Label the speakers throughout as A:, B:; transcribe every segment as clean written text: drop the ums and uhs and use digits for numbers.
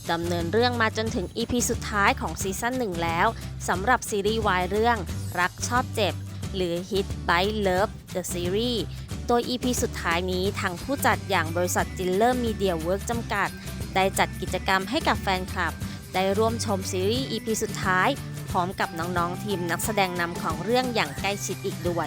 A: ดำเนินเรื่องมาจนถึง EP สุดท้ายของซีซั่น1แล้วสำหรับซีรีส์วายเรื่องรักชอบเจ็บหรือ Hit by Love The Series โดย EP สุดท้ายนี้ทางผู้จัดอย่างบริษัทจิลเลอร์มีเดียเวิร์กจำกัดได้จัดกิจกรรมให้กับแฟนคลับได้ร่วมชมซีรีส์ EP สุดท้ายพร้อมกับน้องๆทีมนักแสดงนำของเรื่องอย่างใกล้ชิดอีกด้วย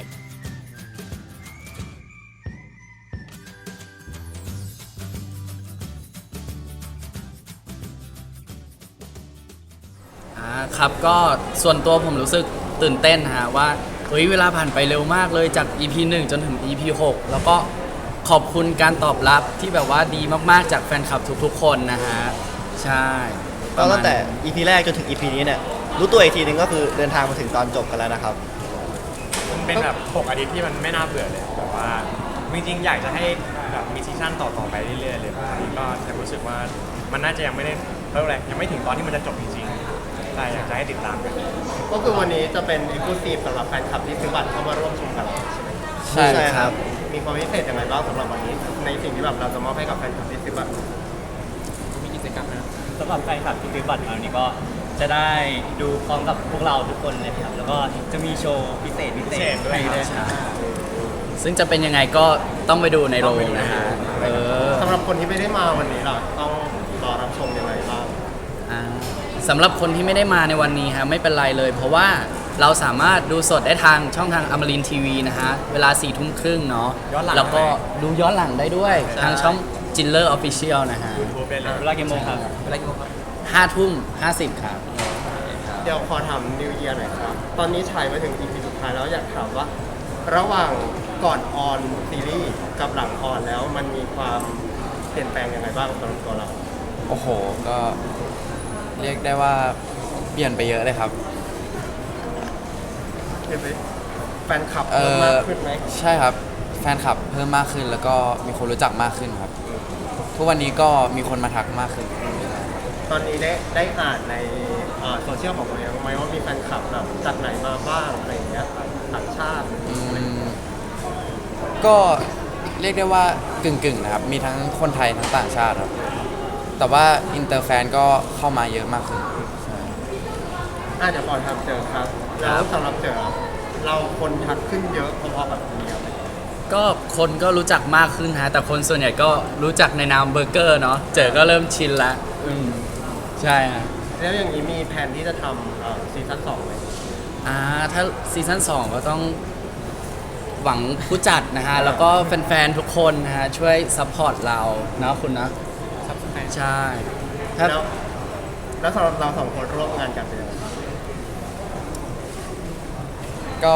B: ครับก็ส่วนตัวผมรู้สึกตื่นเต้นฮะว่าเวลาผ่านไปเร็วมากเลยจาก EP 1 จนถึง EP 6 แล้วก็ขอบคุณการตอบรับที่แบบว่าดีมากๆจากแฟนคลับทุกๆคนนะฮะใช่
C: ก็ตั้งแต่ EP แรกจนถึง EP นี้เนี่ยรู้ตัวอีกทีนึงก็คือเดินทางมาถึงตอนจบกันแล้วนะครับ
D: มันเป็นแบบ6อาทิตย์ที่มันไม่น่าเบื่อเลยแบบว่าจริงๆอยากจะให้แบบมีซีซั่นต่อไปเรื่อยๆเลยตอนนี้ก็แต่รู้สึกว่ามันน่าจะยังไม่ได้ยังไม่ถึงตอนที่มันจะจบจริงๆแต่อยากจะให้ติดตามกัน
E: ก็คือวันนี้จะเป็น Exclusive สำหรับแฟนคลับที่ซื้อบัตรเข้ามาร่วมชมกับเราใช่ไหม
C: ใช่ครับ
E: มีความพิเศษยังไงบ้างสำหรับวันนี้ในสิ่งที่แบบเราจะมอบให้กับแฟนคลับที่ซื้อบัตร
D: มีกิจกรรมนะ
F: สำหรับแฟนคลับที่ซื้อบัตรมาวันนี้ก็จะได้ดูพร้อมกับพวกเราทุกคนเลยครับแล้วก็จะมีโชว์พิเศษ
D: ด้วย
F: ครับ
B: ซึ่งจะเป็นยังไงก็ต้องไปดูในโรงนะฮะ
E: สำหรับคนที่ไม่ได้มาวันนี้ล่ะต้องรอรับชมยังไงบ้าง
B: สำหรับคนที่ไม่ได้มาในวันนี้ฮะไม่เป็นไรเลยเพราะว่าเราสามารถดูสดได้ทางช่องทางอมรินทร์ทีวีนะฮะเวลา 4:30 เนาะแล้วก็ดูย้อนหลังได้ด้วยทางช่องจิลเลอร์ออฟฟิเชียลนะฮะ
F: เวลากี่โมงครับ
B: 5:50 ครับ
E: เดี๋ยวขอถามนิวเยียร์หน่อยครับตอนนี้ฉายมาถึง EP สุดท้ายแล้วอยากถามว่าระหว่างก่อนออนซีรีส์กับหลังออนแล้วมันมีความเปลี่ยนแปลงยังไงบ้างสำหรับตัวเรา
G: โอ้โหก็เรียกได้ว่าเปลี่ยนไปเยอะเลยครับ
E: เปลี่ยนไปแฟนคลับเพิ่มมากขึ้นไหม
G: ใช่ครับแฟนคลับเพิ่มมากขึ้นแล้วก็มีคนรู้จักมากขึ้นครับทุกวันนี้ก็มีคนมาทักมากขึ้น
E: ตอนนี้ได้อ่านในโซเชียลของเราไหมว่ามีแฟนคลับแบบจากไหนมาบ้างอะไรอย่างเงี้ยต่างชาติ
G: ก็เรียกได้ว่ากึ่งนะครับมีทั้งคนไทยทั้งต่างชาติครับแต่ว่าอินเตอร์แฟนก็เข้ามาเยอะมากขึ้น
E: เดี๋ยวก่อนทำเจอครับแล้วสำหรับเจอเราคนทักขึ้นเยอะพอๆแบบนี้ครับ
B: ก็คนก็รู้จักมากขึ้นฮะแต่คนส่วนใหญ่ก็รู้จักในนามเบอร์เกอร์เนาะเจอก็เริ่มชินละใช่ฮะ
E: แล้วอย่างนี้มีแผนที่จะทำซีซั่น2ไหม
B: ถ้าซีซั่น2ก็ต้องหวังผู้จัดนะฮะแล้วก็แฟนๆทุกคนนะฮะช่วยซัพพอร์ตเราเนาะคุณนะใช่
E: แล้วสำหรับเรา2คนร่วมงานกันเป็นยังไงบ้าง
G: ก็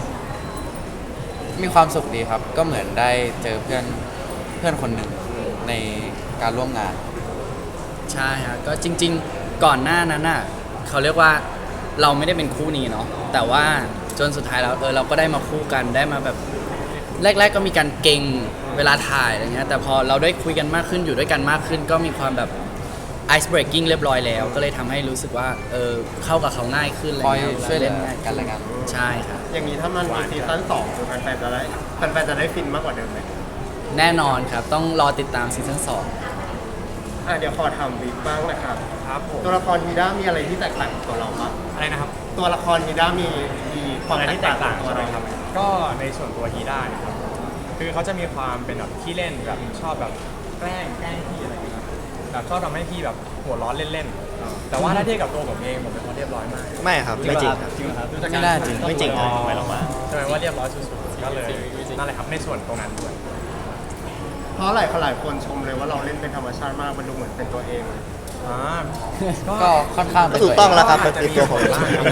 G: มีความสุขดีครับก็เหมือนได้เจอเพื่อนคนหนึ่งในการร่วมงาน
B: ใช่ฮะก็จริงๆก่อนหน้านั้นน่ะเขาเรียกว่าเราไม่ได้เป็นคู่นี้เนาะแต่ว่าจนสุดท้ายแล้วเราก็ได้มาคู่กันได้มาแบบแรกๆก็มีการเก่งเวลาถ่ายอะไรเงี้ยแต่พอเราได้คุยกันมากขึ้นอยู่ด้วยกันมากขึ้นก็มีความแบบ ice breaking เรียบร้อยแล้วก็เลยทำให้รู้สึกว่าเข้ากับเขาง่ายขึ้นอะไรเงี้ย
G: ช่วยเล่นกันละกัน
B: ใช่ครับ
E: อย่างนี้ถ้ามันมีซีซั่น2คือแฟนๆจะได้ฟินมากกว่าเดิมไหม
B: แน่นอนครับต้องรอติดตามซีซั่น
E: 2เดี๋ยวขอทำบิ๊กบ้างนะครับ
D: ครับผม
E: ตัวละครฮีด้ามีอะไรที่แตกต่างกับตัวเราบ้าง
D: อะไรนะครับ
E: ตัวละครฮีด้ามีความแตกต่างตัวเราครับ
D: ก็ในส่วนตัวฮีด้าครับคือเขาจะมีความเป็นแบบขี้เล่นแบบชอบแบบแกล้งพี่อะไรอย่างเงี้ยแบบชอบทำให้พี่แบบหัวร้อนเล่นๆแต่ว่าถ้าเทียบกับตัวผมเองผมเป็นคนเรียบร้อยมาก
C: ไม่ครับไม่จริงครับ
G: ไม่น่าจริง
C: ไม่จริง
D: ไม่ลงมาใช่ไหมว่าเรียบร้อยสุดๆก็เลยนั่นแหละครับในส่วนตรงนั้นด้วย
E: เพราะหลายคนชมเลยว่าเราเล่นเป็นธรรมชาติมากมันดูเหมือนเป็นตัวเอง
G: ก็ค่อนข้าง
C: ถูกต้องแล้วครับเป็นตัวผม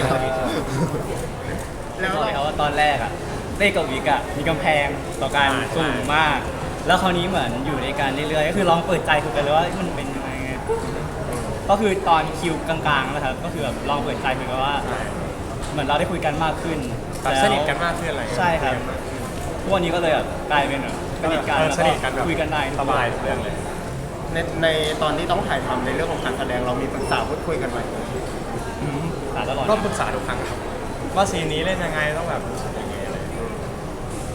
F: แล้วเขาว่าตอนแรกเต้กับวิกมีกำแพงต่อการสูงมากแล้วคราวนี้เหมือนอยู่ในการเรื่อยๆก็คือลองเปิดใจคุยกันเลยว่ามันเป็นยังไงก็คือตอนคิวกลางๆนะครับก็คือแบบลองเปิดใจคุยกันว่าเหมือนเราได้คุยกันมากขึ้น
D: สนิทกันมากขึ้นอะไร
F: ใช่ครับทุกวันนี้ก็เลยแบบกลายเป็นสนิทกันคุยกันได้
D: สบายเรื่องเลย
E: ในตอนที่ต้องถ่ายทำในเรื่องของการแสดงเรามีปรึกษาพูดคุยกันไหม
D: ก็ปรึกษาทุกครั้งครับว่าซีนนี้เล่นยังไงต้องแบบรู้สึกยังไงอะไร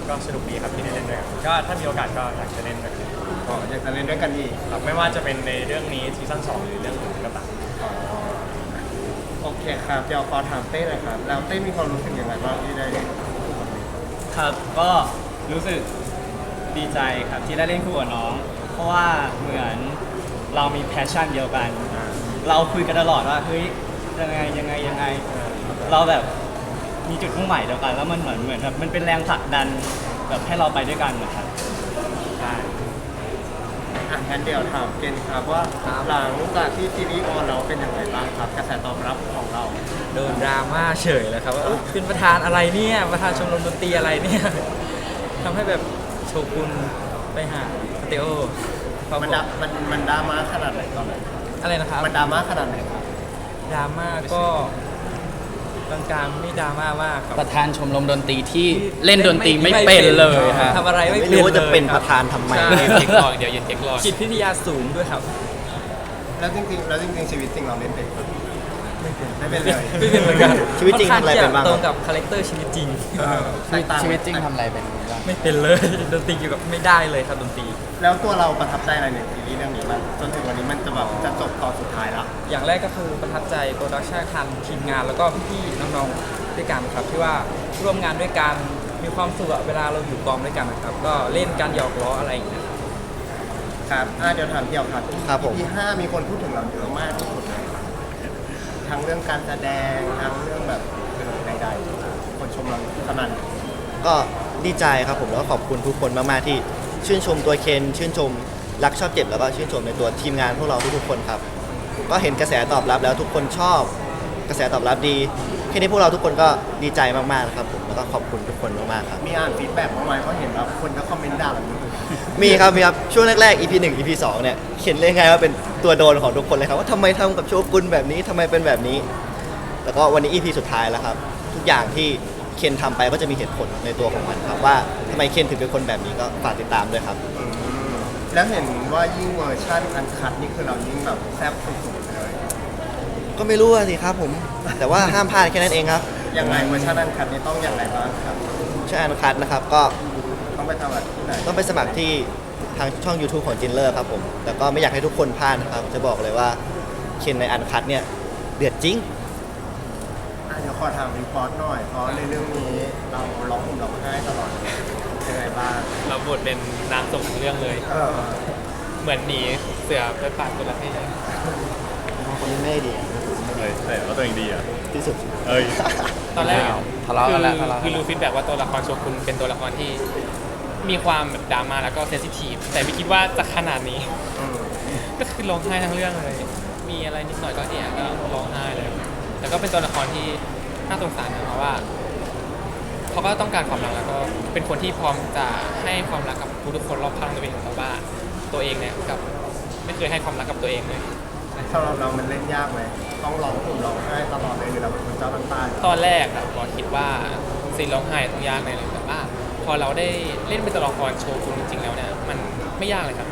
D: ก็สนุกดีครับที่ได้เล่นด้วยกันก็ถ้ามีโอกาสก็อยากจะเล่นด้วยกัน
E: ก็อยากจะเล่นด้วยกันอีก
D: ครับไม่ว่าจะเป็นในเรื่องนี้ซีซั่น2หรือเรื่องอื่นก็ตาม
E: โอเคครับเดี๋ยวขอถามเต้หน่อยครับแล้วเต้มีความรู้สึกยังไงบ้างที่ได้เล่นคู่กับมิก
F: ครับก็รู้สึกดีใจครับที่ได้เล่นคู่กับน้อง เพราะว่าเหมือนเรามีแพชชั่นเดียวกัน เราคุยกันตลอดว่าเฮ้ยยังไงเราแบบมีจุดมุ่งหมายเดียวกัน แล้วมันเหมือนแบบมันเป็นแรงผลักดันแบบให้เราไปด้วยกันนะครับ
E: ใช่งั้นเดี๋ยวถามเกณฑ์ครับว่าหลังจากที่ซีรีส์ออนเราเป็นยังไงบ้างครับกระแสตอบรับของเรา
H: โดนดราม่าเฉยเลยครับว่าเอ้ยเป็นประธานอะไรเนี่ยประธานชมรมดนตรีอะไรเนี่ยทำให้แบบโชกุนไปหาสเตโอครับ
E: มันดราม่าขนาดไหนตอนนั้น
H: อะไรนะครับ
E: มันดราม่าขนาดไหนครับ
H: ดราม่าก็กลางๆไม่ดราม่ามากครับ
B: ประธานชมรมดนตรีที่เล่นดนตรีไม่เป็นเลยฮะ
H: ทำอะไรไม่
C: ไม่
H: เป็น
C: รู้ว่าจะเป็น
H: ลย
C: ประธานทำไม
H: ใช่
I: เทคลองเดี๋ยวเย็นเทคลอง
H: จิตวิทยาสูงด้วยครับ
E: แล้วจริงๆชีวิตจริงเราเล่นเป็นไม่เป็นเลย
H: ไม่เป็นเหมือนกัน
C: ชีวิตจริงทำอะไรเป็นบ้าง
H: ตรงกับคาแรคเตอร์ชีวิตจริง
E: แตกต่าง
G: ชีวิตจริงทำอะไรเป็นบ้าง
H: ไม่เป็นเลย ดนตรีอยู่กับไม่ได้เลยครับดนตรี
E: แล้วตัวเราประทับใจอะไรในซีรีส์เรื่องนี้มันจนถึงวันนี้มันจะแบบจะจบตอนสุดท้ายแล้ว
H: อย่างแรกก็คือประทับใจโปรดักชันทันทีมงานแล้วก็พี่ๆน้องๆด้วยกันครับที่ว่าร่วมงานด้วยกันมีความสุขอะเวลาเราอยู่กองด้วยกันนะครับ ก็เล่นกันหยอกล้ออะไรอย่างเงี้ย
E: ครับเดี๋ยวถามเดี่ยวครับ
C: ครับผม
E: EP 5มีคนพูดถึงเราเยอะมากที่สุดเลยทั้งเรื่องการแสดงทั้งเรื่องแบบใดๆคนชมเราขนาด
C: ก็ดีใจครับผมแล้วก็ขอบคุณทุกคนมากๆที่ชื่นชมตัวเคนชื่นชมรักชอบเจ็บแล้วก็ชื่นชมในตัวทีมงานพวกเราทุกๆคนครับก็เห็นกระแสตอบรับแล้วทุกคนชอบกระแสตอบรับดีแค่นี้พวกเราทุกคนก็ดีใจมากๆนะครับผมแล้วก็ขอบคุณทุกคนมากๆครับ
E: มีอ่านฟีดแบ็กบ้างไหมเพราะเห็นว่าคนก็คอมเมนต์ด่าเราเยอะ
C: มีครับช่วงแรกๆ EP 1 EP 2เนี่ยเขียนเลยไงว่าเป็นตัวโดนของทุกคนเลยครับว่าทำไมทำกับโชกุนแบบนี้ทำไมเป็นแบบนี้แล้วก็วันนี้ EP สุดท้ายแล้วครับทุกอย่างที่เคนทำไปก็จะมีเหตุผลในตัวของมันครับว่าทำไมเคนถึงเป็นคนแบบนี้ก็ฝากติดตามด้วยครับ
E: แล้วเห็นว่ายิ่งเวอร์ชันอันคัดนี่คือเรายิ่งแบบแซ่บสุดๆเลย
C: ก็ไม่รู้อะสิครับผมแต่ว่าห้ามพลาดแค่นั้นเองครับ
E: ยังไงเวอร์ชันอันคัดนี่ต้องอย่างไรบ้างครับ
C: ใช่อันคัดนะครับก็
E: ต้องไปทำอะไรที่ไหน
C: ต้องไปสมัครที่ทางช่อง YouTube ของจินเลอร์ครับผมแต่ก็ไม่อยากให้ทุกคนพลาดนะครับจะบอกเลยว่าเคนในอันคัดเนี่ยเดือดจริง
E: เดี๋ยวขอถามรีพอร์ตหน่อยเพราะในเรื่องนี้เราร้องห่มร้องไห้ตลอดยังไงบ้าง
I: เราบทเป็นนางส่งทั้งเรื่องเลย เหมือนหนีเสือไปปาดคนละให้
C: คนนี้ไม่ดี
D: แต่ว่าตัวเองดีอ่ะ
C: ที่สุด
D: เอ้ย
I: ตอนแรก
G: ทะเลาะกันแล้วทะเลาะกัน
I: คือรู้ฟีดแบ็กว่าตัวละครโชกุนเป็นตัวละครที่มีความแบบดราม่าแล้วก็เซนซิทีฟแต่ไม่คิดว่าจะขนาดนี้ ก็คือร้องไห้ทั้งเรื่องเลย มีอะไรนิดหน่อยก็เอะก็ร้องไห้เลยแต่ก็เป็นตัวละครที่น่าสงสารนะเพราะว่าเขาก็ต้องการความรักแล้วก็เป็นคนที่พร้อมจะให้ความรักกับทุกๆคนรอบข้างตัวเองแต่ว่าตัวเองเนี่ยกับไม่เคยให้ความรักกับตัวเองเลย
E: สำหรับเรามันเล่นยากไหมต้องร้องห่มร้องไห้ตลอดเลยหรือเราเป็นคนเจ้าน้ำตา
I: ตอนแรกอะบอคิดว่าซีนร้องไห้ต้องยากแน่เลยแต่ว่าพอเราได้เล่นเป็นตัวละครโชว์คุณจริงๆแล้วเนี่ยมันไม่ยากเลยครับ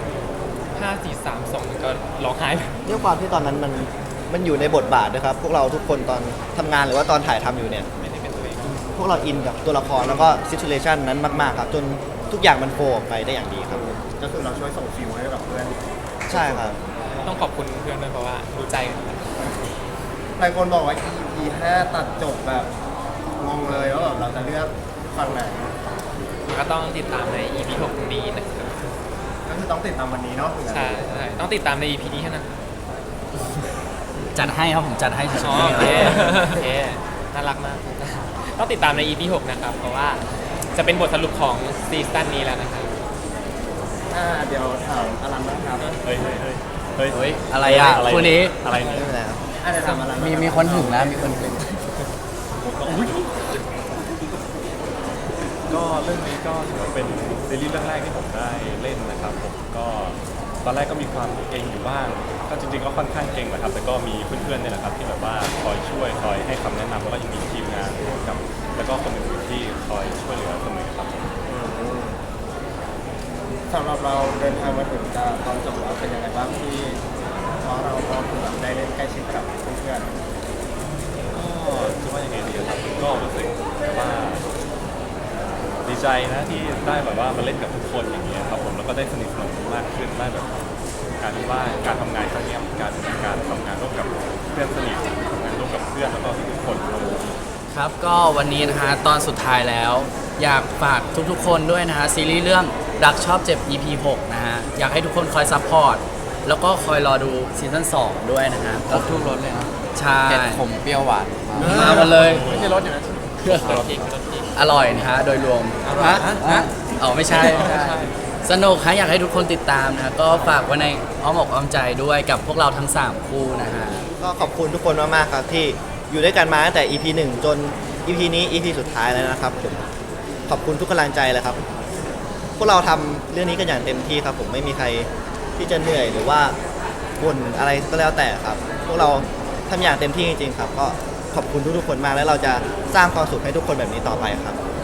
I: 5 4 3 2มันก็ร้องไห้เลย
C: ด้วยความที่ตอนนั้นมันอยู่ในบทบาทนะครับพวกเราทุกคนตอนทำงานหรือว่าตอนถ่ายทำอยู่เนี่ย
I: ไม่ได้เป็นตัวเอง
C: พวกเราอินกับตัวละครแล้วก็ซิทูเ t ชันนั้นมากๆครับจนทุกอย่างมันโฟล์ออกไปได้อย่างดีครับ
E: ก็คือเราช่วยส่งฟิลให้กับเพื่อน
C: ใช่ครับ
I: ต้องขอบคุณเพื่อนด้วยเพราะว่ารู้ใจกัน
E: หลายคนบอกว่า EP 5ตัดจบแบบงงเลยว่าแบบเราจะเลือกฝั่งไหน
I: ก็ต้องติดตามใน EP 6นี้นะครับ
E: ก็คือต้องติดตามวันนี้เนาะ
I: ใช่ใช่ต้องติดตามใน EP นี้เท่านั้น
B: จัดให้ครับผมจัดให้สุด
I: อ๋อ
B: ๆ
I: โอเค
B: เลย
I: โอเคน่ารักมาก ต้องติดตามใน EP 6นะครับเพราะว่าจะเป็นบทสรุปของซีซั่นนี้แล้วนะครับ
E: เดี๋ยวถามอลันนะครับ
D: เฮ้ย
B: เฮ้ยอะไรอ่ะคู่นี้
D: อะไร
C: ไม่
D: เนี่ย
C: เป็นไรครับ
E: เดี๋ยวถามอลัน
G: มีคนถึงนะมีคนถึง
D: ก็เรื่องนี้ก็ถือว่าเป็นซีรีส์เรื่องแรกที่ผมได้เล่นนะครับผมก็ตอนแรกก็มีความเก่งอยู่บ้างก็จริงๆก็ค่อนข้างเก่งแหละครับแต่ก็มีเพื่อนๆเนี่ยแหละครับที่แบบว่าคอยช่วยคอยให้คำแนะนำแล้วก็ยังมีทีมงานกับแล้วก็คนอื่นๆที่คอยช่วยเหลือเสมอครับผม
E: สำหรับเราเดินทางมาถึงตอนจบแล้วเป็นยังไงบ้างที่เพราะเราก็คือแบบได้เล่นใกล้ชิดกับเพื่อน
D: ก็จะว่ายังไงดีครับก็รู้สึกว่าดีใจ
J: ใจนะที่ได้แบบว่ามาเล่นกับทุกคนอย่างเงี้ยครับผมแล้วก็ได้สนิทสนมมากขึ้นได้แบบการที่ว่าการทำงานครั้งเนี้ยการทำงานร่วมกับเพื่อนสนิททำงานร่วมกับเพื่อนแล้วก็ทุกคนครับผม
B: ครับก็วันนี้นะฮะตอนสุดท้ายแล้ว อยากฝากทุกๆคนด้วยนะฮะซีรีส์เรื่องรักชอบเจ็บ EP 6 นะฮะอยากให้ทุกคนคอยซัพพอร์ตแล้วก็คอยรอดูซีซั่น2ด้วยนะฮะ
G: ครบทุกรสเลยนะ
B: ใช่
G: เผ็ดขมเปรี้ยวหวาน
B: มาหมดเลย
J: ไม่ใช่รถอย่างนั้น
B: อร่อยนะฮะโดยรวมฮะอ๋อไม่ใช่สนุกฮะอยากให้ทุกคนติดตามนะก็ฝากไว้ในอ้อมอกอ้อมใจด้วยกับพวกเราทั้ง 3 คู่นะฮะ
C: ก็ขอบคุณทุกคนมากๆครับที่อยู่ด้วยกันมาตั้งแต่ EP 1 จน EP นี้ EP สุดท้ายแล้วนะครับผมขอบคุณทุกกำลังใจเลยครับ พวกเราทำเรื่องนี้กันอย่างเต็มที่ครับผมไม่มีใครที่จะเหนื่อยหรือว่าบ่นอะไรก็แล้วแต่ครับ พวกเราทำอย่างเต็มที่จริงๆครับก็ขอบคุณทุกๆคนมากแล้วเราจะสร้างความสุขให้ทุกคนแบบนี้ต่อไปครับ